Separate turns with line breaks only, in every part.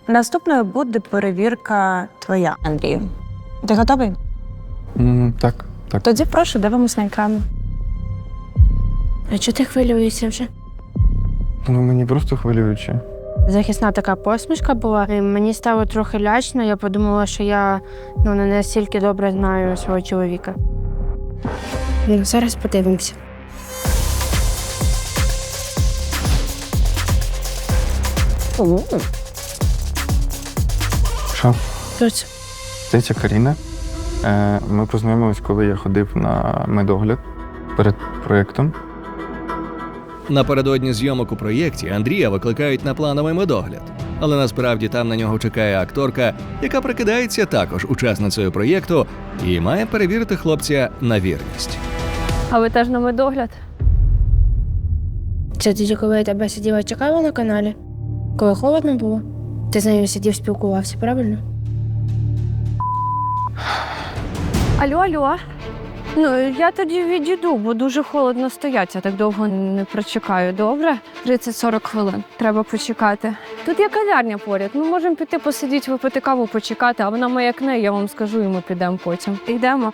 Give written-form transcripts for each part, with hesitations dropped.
Наступною буде перевірка твоя, Андрію. Ти готовий?
Так.
Тоді прошу, дивимось на екран.
А чого ти хвилюєшся вже?
Ну, мені просто хвилююче.
Захисна така посмішка була. І мені стало трохи лячно, я подумала, що я не настільки добре знаю свого чоловіка. Зараз подивимося.
Що?
Хто це?
Це Каріна. Ми познайомились, коли я ходив на медогляд перед проєктом.
Напередодні зйомок у проєкті Андрія викликають на плановий медогляд. Але насправді там на нього чекає акторка, яка прикидається також учасницею проєкту і має перевірити хлопця на вірність.
А ви теж на медогляд? Це тоді, коли я тебе сиділа чекала на каналі? Коли холодно було? Ти з нею сидів, спілкувався, правильно?
Алло. Ну, я тоді відійду, бо дуже холодно стоять. Я так довго не прочекаю, добре? 30-40 хвилин. Треба почекати. Тут є кав'ярня поряд. Ми можемо піти посидіти, випити каву, почекати, а вона маякне, я вам скажу, і ми підемо потім. Йдемо.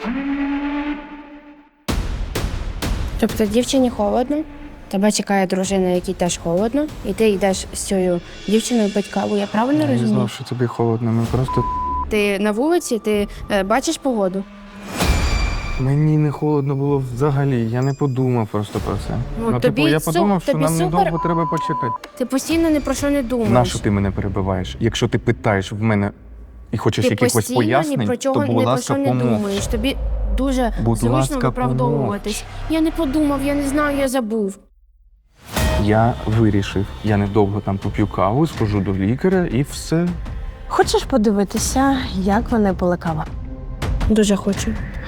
Тобто дівчині холодно, тебе чекає дружина, якій теж холодно, і ти йдеш з цією дівчиною пити каву, я правильно
Я не
розумію?
знав, що тобі холодно. Ми просто...
Ти на вулиці, ти бачиш погоду?
Мені не холодно було взагалі. Я не подумав просто про це.
Ну, тобі
я подумав, що
тобі
нам
супер.
недовго треба почекати.
Ти постійно ні про що не думаєш.
Нащо ти мене перебиваєш? Якщо ти питаєш в мене і хочеш
Ти
якихось
постійно ні
пояснень,
про чого,
то, будь
ні про
ласка,
що не
помовч.
думаєш. Тобі дуже
Будь
зручно
ласка,
виправдовуватись. Я не подумав, я не знаю, я забув.
Я вирішив, я недовго там поп'ю каву, схожу до лікаря і все.
Хочеш подивитися, як вони пили каву?
Дуже хочу.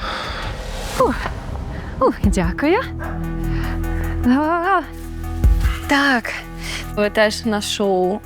Дякую. Так, ви теж на шоу.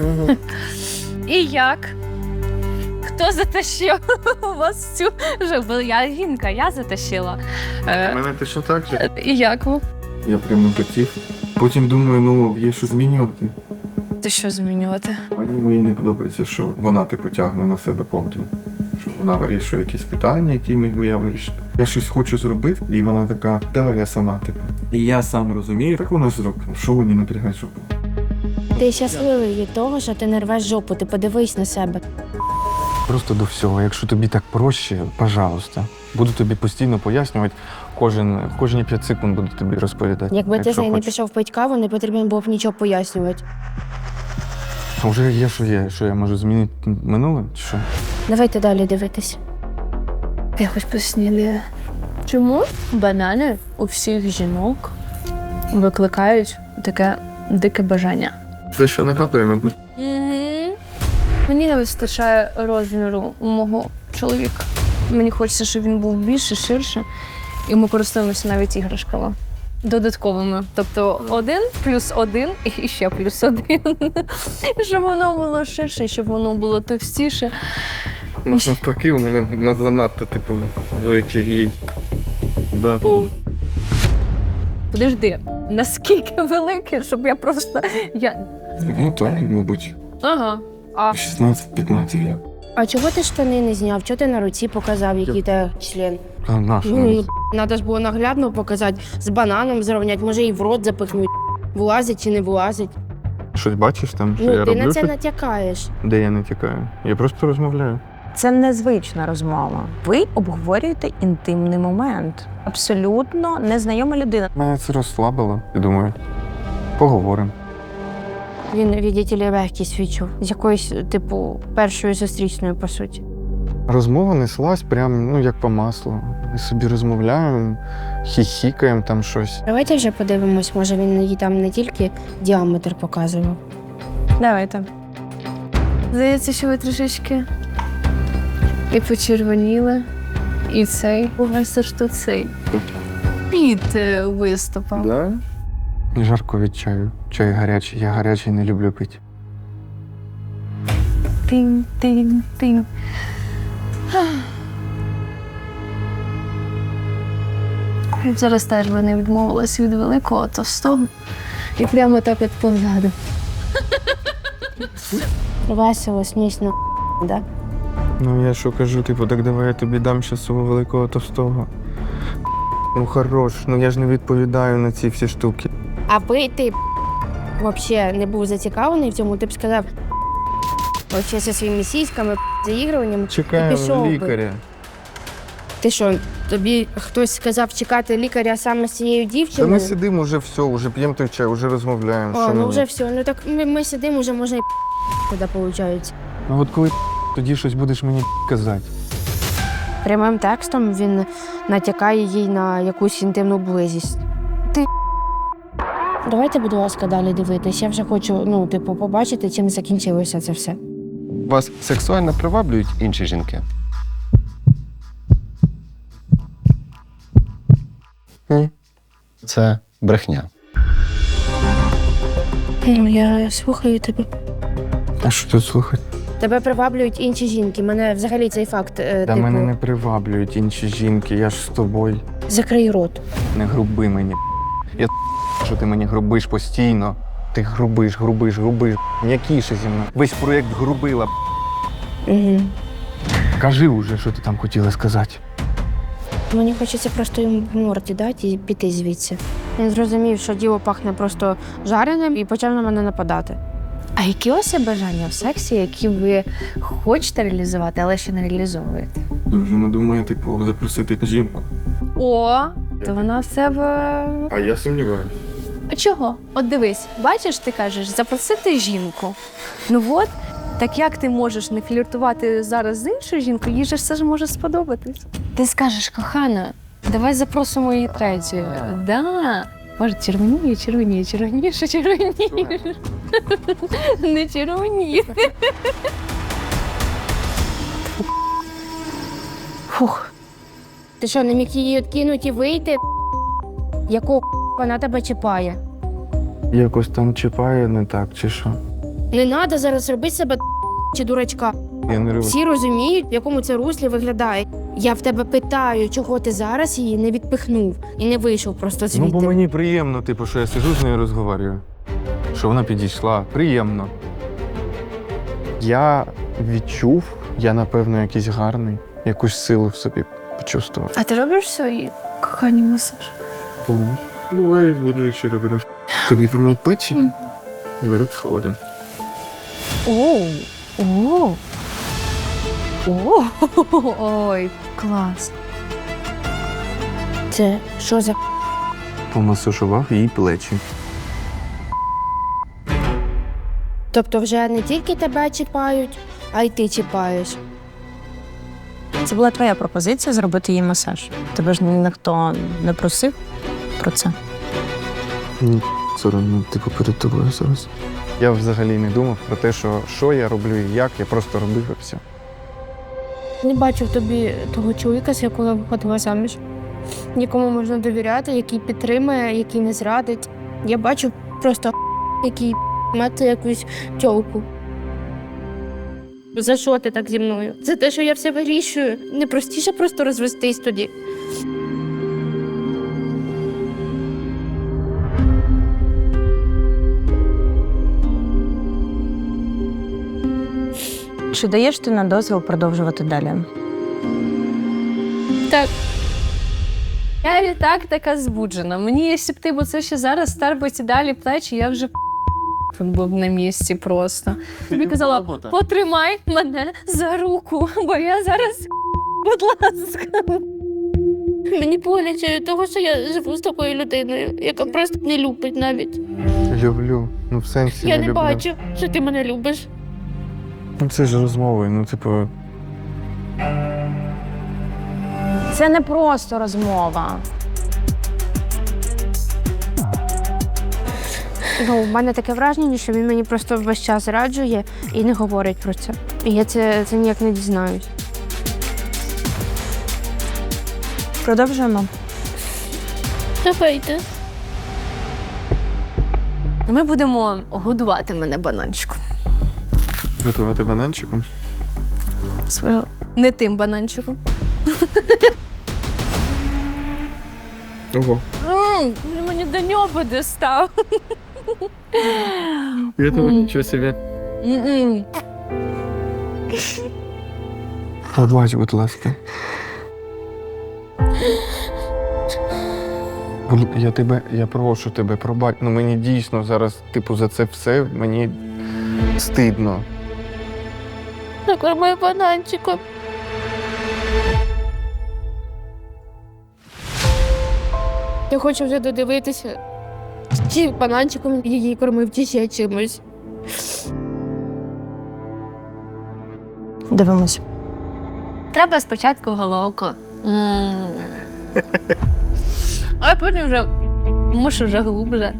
І як? Хто затащив у вас цю жабу? Я жінка, я затащила.
Мене ти що так же?
І як ви?
Я прямо хотів. Потім думаю, ну, є що змінювати.
Ти що змінювати?
Мені не подобається, що вона типу тягне на себе повністю. Що вона вирішує якісь питання, які міг би я вирішити. Я щось хочу зробити, і вона така, давай я сама, типу. І я сам розумію, так вона зробить. Що мені напрягає, щоб
Ти щасливий від того, що ти не рвеш жопу, ти подивись на себе.
просто до всього. Якщо тобі так проще, пожалуйста. Буду тобі постійно пояснювати, кожні 5 секунд буду тобі розповідати.
Якби ти з нею не
хочеш.
пішов пити каву, не потрібно було б нічого пояснювати.
А вже є, що я можу змінити минуле, чи що?
Давайте далі дивитись.
Я хоч поснідаю. Чому банани у всіх жінок викликають таке дике бажання?
Це що не готуємо?
Мені не вистачає розміру у мого чоловіка. Мені хочеться, щоб він був більше, ширше, і ми користуємося навіть іграшками додатковими. Тобто 1 + 1 і ще +1. Щоб воно було ширше, щоб воно було товстіше.
Навпаки, у мене занадто, типу, великий. Да.
Подожди, наскільки велике, щоб я просто...
Ну так, мабуть.
Ага. А
16-15 я.
А чого ти штани не зняв? Чого ти на руці показав, який те член?
Та нащо?
Ну, треба ж було наглядно показати, з бананом зрівняти, може і в рот запихнути. Влазить чи не влазить.
Щось бачиш там, що я
Ну, ти
роблю?
на це
щось?
натякаєш.
Де я не тікаю? Я просто розмовляю.
Це незвична розмова. Ви обговорюєте інтимний момент. Абсолютно незнайома людина.
Мене це розслабило. Я думаю, поговоримо.
Він, відділі, легкість відчув. З якоюсь, типу, першою зустрічною, по суті.
Розмова неслась прям, ну, як по маслу. Ми собі розмовляємо, хіхікаємо там щось.
Давайте вже подивимось, може він їй там не тільки діаметр показував.
Давайте.
здається, що ви трішечки і почервоніли, і цей. У вас аж тут цей під виступав.
Да? Жарко від чаю. Чай гарячий. Я гарячий не люблю пити.
Тинь-тинь-тинь. Зараз теж би не відмовилась від великого товстого і прямо так от позаду.
Весело, смішно, да?
Ну я що кажу, типу, так давай я тобі дам ще свого великого товстого. Ну хорош, ну я ж не відповідаю на ці всі штуки.
Аби ти взагалі не був зацікавлений в цьому, ти б сказав взагалі зі своїми сіськами, заігруванням і
Чекаємо
пішов би.
лікаря.
Ти що, тобі хтось сказав чекати лікаря саме з цією
Та
дівчиною?
ми сидимо вже все, вже п'ємо той чай, вже розмовляємо.
О,
що
ну
мені?
вже все. Ну так ми сидимо, вже можна і куди виходить.
Ну от коли тоді щось будеш мені казати.
Прямим текстом він натякає їй на якусь інтимну близість. Ти давайте, будь ласка, далі дивитись. Я вже хочу, ну, типу, побачити, чим закінчилося це все.
Вас сексуально приваблюють інші жінки?
Ні.
Це брехня.
Ну, я слухаю тебе.
А що тут слухати?
Тебе приваблюють інші жінки. Мене взагалі цей факт,
Та
типу,
мене не приваблюють інші жінки, я ж з тобою.
закрий рот.
Не груби мені. Я що ти мені грубиш постійно. Ти грубиш. М'якіше зі мною. Весь проєкт грубила.
Угу.
Кажи уже, що ти там хотіла сказати.
Мені хочеться просто йому в морді дати і піти звідси. Він зрозумів, що діло пахне просто жареним і почав на мене нападати.
А які у вас є бажання в сексі, які ви хочете реалізувати, але ще не реалізовуєте?
Дуже не думаю, типу, запросити жінку.
О, то вона в себе.
А я сумніваюся.
А чого? От дивись, бачиш, ти кажеш, запросити жінку. Ну от, так як ти можеш не фліртувати зараз з іншою жінкою, їй же все ж може сподобатись. Ти скажеш, кохана, давай запросимо її третю. Да. Може, червоніше. Не червоніє.
Фух. Ти що, не міг її відкинути і вийти? Якого вона тебе чіпає?
Якось там чіпає не так, чи що?
Не треба зараз робити себе чи дурачка.
Я не роблю.
Всі розуміють, в якому це руслі виглядає. Я в тебе питаю, чого ти зараз її не відпихнув і не вийшов просто звідти.
Ну, бо мені приємно, типу, що я сижу з нею розговорюю. Що вона підійшла. Приємно. Я відчув, я, напевно, якийсь гарний, якусь силу в собі почувствував.
А ти робиш свої кохані масаж?
Буває, буду ще робити. Тобі помив печі? Беруть сходи.
Ой, клас.
Це що за
Помасажував їй плечі.
Тобто вже не тільки тебе чіпають, а й ти чіпаєш.
Це була твоя пропозиція зробити їй масаж. Тебе ж ніхто не просив про це.
Ні, соромно, типу, перед тобою зараз. Я взагалі не думав про те, що я роблю і як, я просто робив і все.
Не бачу в тобі того чоловіка, з якого я виходила заміж. Нікому можна довіряти, який підтримує, який не зрадить. Я бачу просто який мати якусь тьолку. За що ти так зі мною? За те, що я все вирішую. Не простіше просто розвестись тоді.
Чи даєш ти на дозвіл продовжувати далі?
Так. Я і так така збуджена. Мені, якщо б ти бо це ще зараз старбиці далі плечі, я вже був на місці просто. Тобі казала, потримай мене за руку, бо я зараз, будь ласка.
Мені боляче від того, що я живу з такою людиною, яка просто не любить навіть.
Люблю. Ну, в сенсі
Я
не
не
люблю.
бачу, що ти мене любиш.
Ну, це ж розмови, ну, типу,
Це не просто розмова.
Ну, в мене таке враження, що він мені просто весь час зраджує і не говорить про це. І я це ніяк не дізнаюсь.
Продовжуємо.
Давайте.
Ми будемо годувати мене бананчиком.
готувати бананчиком.
Свого. Не тим бананчиком.
Ого.
Він мені до нього дістав.
Я того нічого собі. Пробач, будь ласка. Я прошу тебе, пробач. Ну мені дійсно зараз, типу, за це все мені стидно.
Накорми бананчиком. Я хочу вже додивитися, чи бананчиком її кормив, чи ще чимось.
Дивимось.
Треба спочатку головку. А потім вже мушу вже глубже.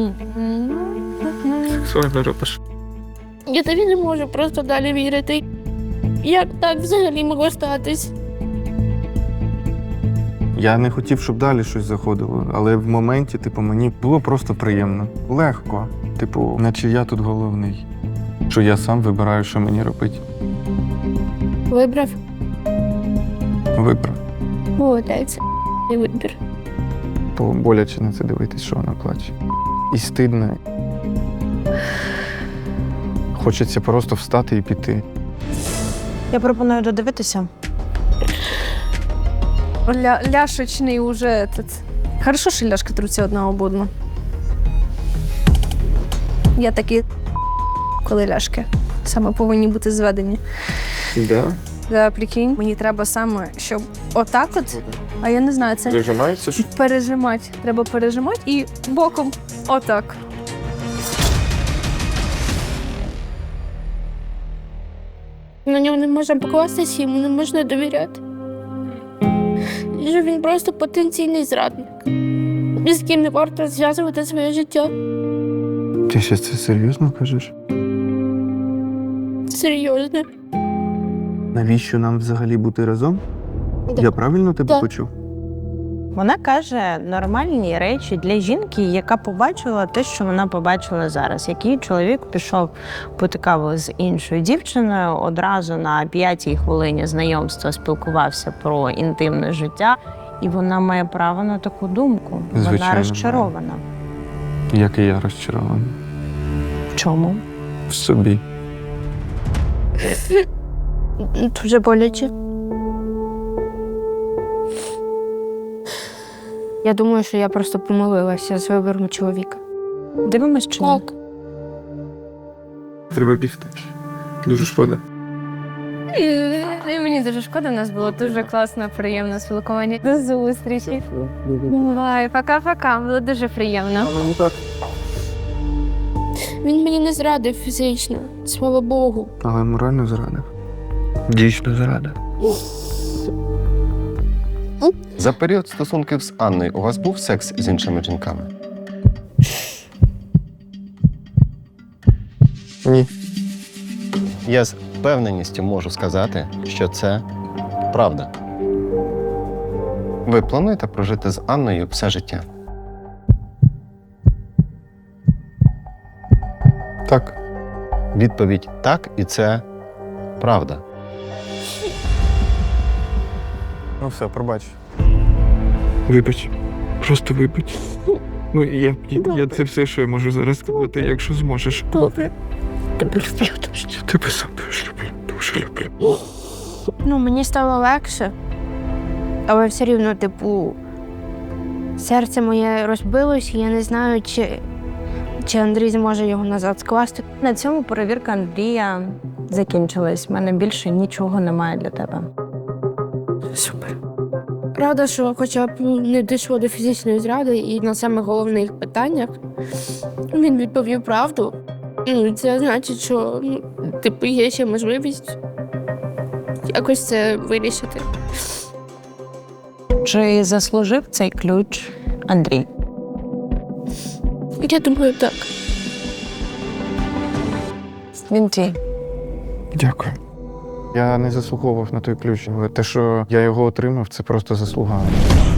Сексуально робиш.
Я тобі не можу просто далі вірити. Як так взагалі могло статись?
Я не хотів, щоб далі щось заходило, але в моменті, типу, мені було просто приємно. Легко. Типу, наче я тут головний. Що я сам вибираю, що мені робити.
Вибрав?
Вибрав.
Молодець. Не вибір.
То боляче на це дивитись, що вона плаче. І стидно. Хочеться просто встати і піти.
Я пропоную додивитися.
Ляшечний уже этот. Хорошо, що ляшки труться одна об одну. Я такі, коли ляшки саме повинні бути зведені.
Да?
Да, прикинь, мені треба саме, щоб отак от, а я не знаю, це
Прижимається?
пережимати. Треба пережимати і боком отак.
На нього не можна покластися, йому не можна довіряти. І що він просто потенційний зрадник, з ким не варто зв'язувати своє життя.
Ти ще це серйозно кажеш?
Серйозно.
Навіщо нам взагалі бути разом?
Да.
Я правильно тебе
Да.
почув?
Вона каже нормальні речі для жінки, яка побачила те, що вона побачила зараз. Який чоловік пішов пити каву з іншою дівчиною, одразу на 5-й хвилині знайомства спілкувався про інтимне життя, і вона має право на таку думку. Вона
Звичайно,
розчарована.
Як і я розчарований.
В чому?
В собі.
Дуже боляче. Я думаю, що я просто помилилася з вибором чоловіка.
Дивимось чи ні?
Так.
Треба бігти. Дуже шкода.
Мені дуже шкода, у нас було дуже класно, приємне спілкування. До зустрічі. Бувай, пока-пока, було дуже приємно.
Він мені не зрадив фізично, слава Богу.
Але морально зрадив. Дійсно зрадив.
За період стосунків з Анною у вас був секс з іншими жінками?
Ні.
Я з впевненістю можу сказати, що це правда. Ви плануєте прожити з Анною все життя?
Так.
Відповідь так, і це правда.
Ну все, пробач. Вибач. Просто вибач. Ну, я це все, що я можу зараз сказати, якщо зможеш.
Добре.
Я тебе сам дуже люблю. Дуже люблю.
Ну, мені стало легше, але все рівно, типу, серце моє розбилось, і я не знаю, чи Андрій зможе його назад скласти.
На цьому перевірка Андрія закінчилась. У мене більше нічого немає для тебе.
Супер. Рада, що хоча б не дійшло до фізичної зради, і на самих головних питаннях він відповів правду. Ну, це значить, що типу, є ще можливість якось це вирішити.
Чи заслужив цей ключ Андрій?
Я думаю, так.
Він твій.
Дякую. Я не заслуговував на той ключ, але те, що я його отримав, це просто заслуга.